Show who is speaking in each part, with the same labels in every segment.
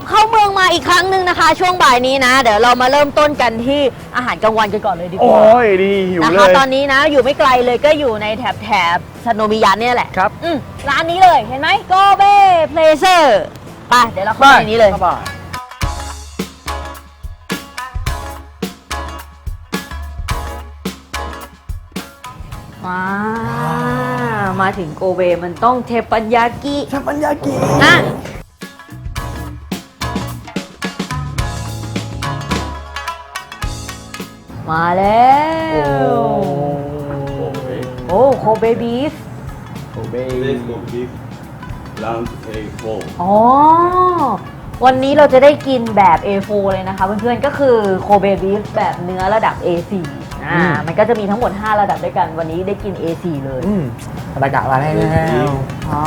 Speaker 1: เข้าเมืองมาอีกครั้งหนึ่งนะคะ ช่วงบ่ายนี้นะ เดี๋ยวเรามาเริ่มต้นกันที่อาหารกลางวันกันก่อนเลยดีกว่า
Speaker 2: โอ้ยดีหิว
Speaker 1: นะ
Speaker 2: เล
Speaker 1: คะ
Speaker 2: ย
Speaker 1: ตอนนี้นะอยู่ไม่ไกลเลยก็อยู่ในแถบซโนมิยันเนี่ยแหละ
Speaker 2: ครับ
Speaker 1: ร้านนี้เลยเห็นไหมโกเบเพลเซอร์ไปเดี๋ยวเราเข้าไปในนี้เลย
Speaker 2: เข้าไป
Speaker 1: มาถึงโกเบมันต้องเทปัญญากิ
Speaker 2: ทำปัญญากิ
Speaker 1: นะมาแล้วโอ้โคเบบีฟ
Speaker 2: โอเบ
Speaker 3: Today's Gold beef, round A4.
Speaker 1: อ๋อวันนี้เราจะได้กินแบบ A4 เลยนะคะเพื่อนๆก็คือโคเบบีฟแบบเนื้อระดับ A4 มันก็จะมีทั้งหมด5ระดับด้วยกันวันนี้ได้กิน A4 เลย
Speaker 2: บรรยากาศมาแล้ว
Speaker 1: อ๋อ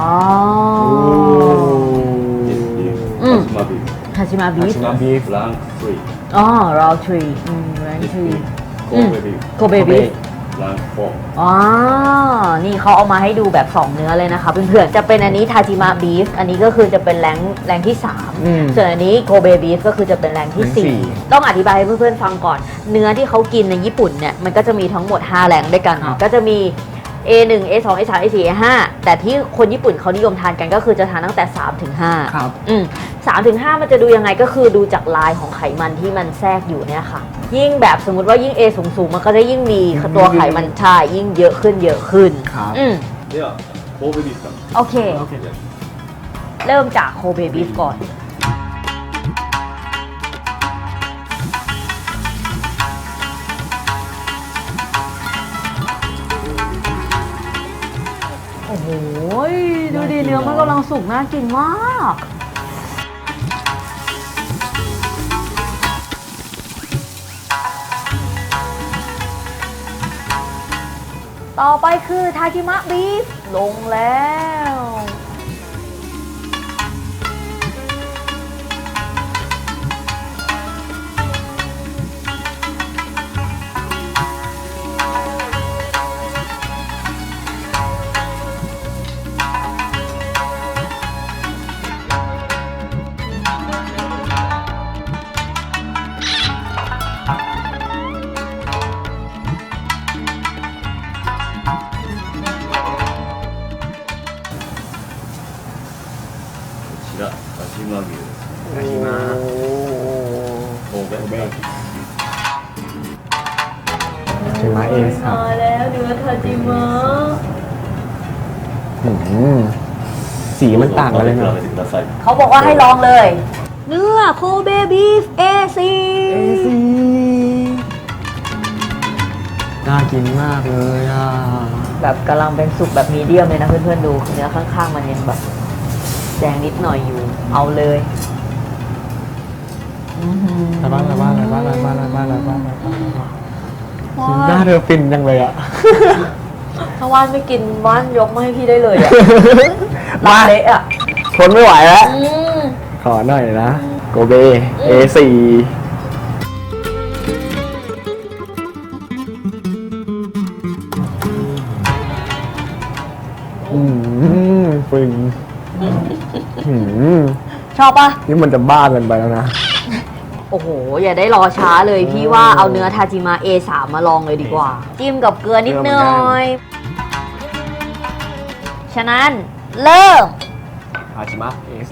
Speaker 3: This beef,
Speaker 1: Mm.
Speaker 3: Kashima beef.
Speaker 1: ฮาชิมาบีฟ
Speaker 2: beef
Speaker 3: Rank 3.
Speaker 1: อ๋อรอทรีแรง
Speaker 3: This
Speaker 1: ทรี
Speaker 3: beef, Kobe beef,
Speaker 1: โคเบบีฟ
Speaker 3: rank 4.
Speaker 1: อ๋อ นี่เขาเอามาให้ดูแบบ 2 เนื้อเลยนะคะเพื่อนๆ จะเป็นอันนี้ทาจิมะบีฟ อันนี้ก็คือจะเป็นแรงที่ 3 ส่วนอันนี้โกเบบีฟก็คือจะเป็นแรงที่ 4 ต้องอธิบายให้เพื่อนๆฟังก่อน เนื้อที่เขากินในญี่ปุ่นเนี่ย มันก็จะมีทั้งหมด 5 แรงด้วยกัน ก็จะมี A1 A2 A3 A4 A5 แต่ที่คนญี่ปุ่นเขานิยมทานกันก็คือจะทานตั้งแต่ 3 ถึง 5
Speaker 2: ครับ
Speaker 1: 3 ถึง 5 มันจะดูยังไงก็คือดูจากลายของไขมันที่มันแทรกอยู่เนี่ยค่ะ ยิ่งแบบสมมุติว่ายิ่ง A สูงๆมันก็จะยิ่งมีตัวไขมันใช่ยิ่งเยอะขึ้น
Speaker 2: ครับ
Speaker 3: では、Kobe beef から。
Speaker 1: โอเค
Speaker 2: โอเค
Speaker 1: เริ่มจากโคเบบีฟก่อน โอ้โห ดูดิเนื้อมันกำลังสุกน่ากินมาก ต่อไปคือทาจิมะบีฟลงแล้ว
Speaker 3: こちら、カシマ牛です。
Speaker 2: カシマ
Speaker 3: 神戸。
Speaker 2: ชิมาเอสครับ
Speaker 1: มาแล้วเนื้อทาจิมะ
Speaker 2: สีมันต่างกันเลย
Speaker 3: 比
Speaker 2: นะ
Speaker 3: べてください。
Speaker 1: เขาบอกว่าให้ลองเลย เนื้อโคเบบีฟ A4
Speaker 2: น่ากินมากเลยอ่ะ
Speaker 1: แบบกำลังเป็นสุกแบบมีเดียมเลยนะเพื่อนๆดูเนื้อข้างๆมันยังแบบแดงนิดหน่อยอยู่ เอาเลย
Speaker 2: อะไรบ้างหน้าเธอฟินจังเลยอ่ะ
Speaker 1: ถ้าว่านไม่กินว่านยกมาให้พี่ได้เลยอะ
Speaker 2: มา
Speaker 1: เละอะ
Speaker 2: ทนไม่ไหวแล้ว
Speaker 1: อืม
Speaker 2: ขอหน่อยนะโกเบ A4 ฟึง
Speaker 1: ชอบปะ
Speaker 2: นี่มันจะบ้ากันไปแล้วนะ
Speaker 1: โอ้โห อย่าได้รอช้าเลยพี่ว่าเอาเนื้อทาจิมะ A3 มาลองเลยดีกว่า จิ้มกับเกลือนิดหน่อย ฉะนั้นเริ่ม
Speaker 2: อาชิมะ A3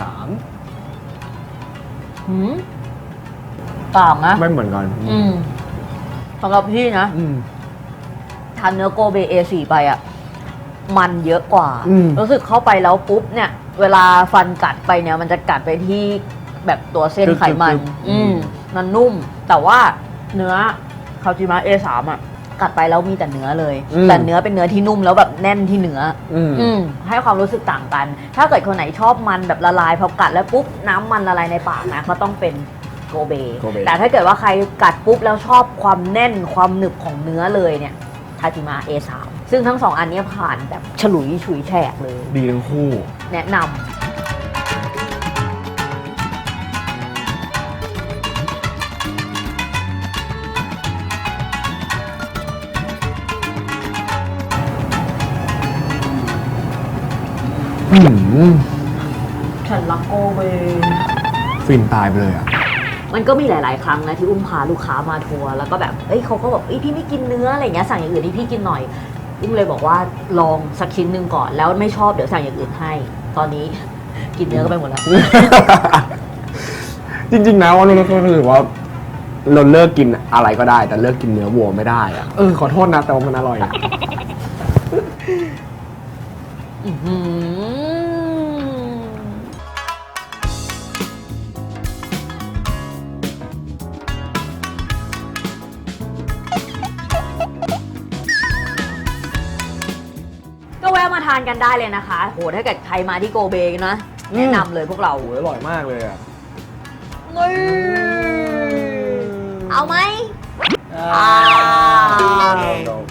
Speaker 1: ต่างนะ
Speaker 2: ไม่เหมือนกัน
Speaker 1: สำหรับพี่นะ
Speaker 2: อืม
Speaker 1: ทานเนื้อโกเบ A4 ไปอ่ะ มันเยอะกว่า
Speaker 2: อืม
Speaker 1: รู้สึกเข้าไปแล้วปุ๊บเนี่ย เวลาฟันกัดไปเนี่ย มันจะกัดไปที่แบบตัวเส้นไขมัน มันนุ่ม แต่ว่าเนื้อคาจิมะ A3 อ่ะ กัดไปแล้วมีแต่เนื้อเลย แต่เนื้อเป็นเนื้อที่นุ่มแล้วแบบแน่นที่เนื้อให้ความรู้สึกต่างกัน ถ้าเกิดคนไหนชอบมันแบบละลายพอกัดแล้วปุ๊บน้ำมันละลายในปากนะก็ต้องเป็นโกเบ แต่ถ้าเกิดว่าใครกัดปุ๊บแล้วชอบความแน่นความหนึบของเนื้อเลยเนี่ยทาจิมะ A3 ซึ่งทั้งสองอันเนี้ยผ่านแบบฉลุยฉุยแฉกเลย
Speaker 2: ดีทั้งคู่
Speaker 1: แนะนำ ฉันรักโกเบ
Speaker 2: ฟินตายไปเลยอ่ะ
Speaker 1: มันก็มีหลาย ๆ ครั้งนะที่อุ้มพาลูกค้ามาทัวร์แล้วก็แบบเอ้ยเขาก็บอกเอ้ยพี่ไม่กินเนื้ออะไรเงี้ยสั่งอย่างอื่นให้พี่กินหน่อยอุ้มเลยบอกว่าลองสักชิ้นหนึ่งก่อนแล้วไม่ชอบเดี๋ยวสั่งอย่างอื่นให้ ตอนนี้ กินเนื้อก็ไปหมดแล้ว
Speaker 2: จริงๆนะว่าเราก็รู้สึกว่า เราเลิกกินอะไรก็ได้ แต่เลิกกินเนื้อวัวไม่ได้อ่ะขอโทษนะแต่ว่ามันอร่อยอะ
Speaker 1: อื้อหือก็แวะมาทานกันได้เลยนะคะโหถ้าเกิดใครมาที่โกเบนะแนะนำเลยพวกเรา
Speaker 2: โอ้ยอร่อยมากเลยอ่ะ
Speaker 1: เอาไหม
Speaker 2: อ่า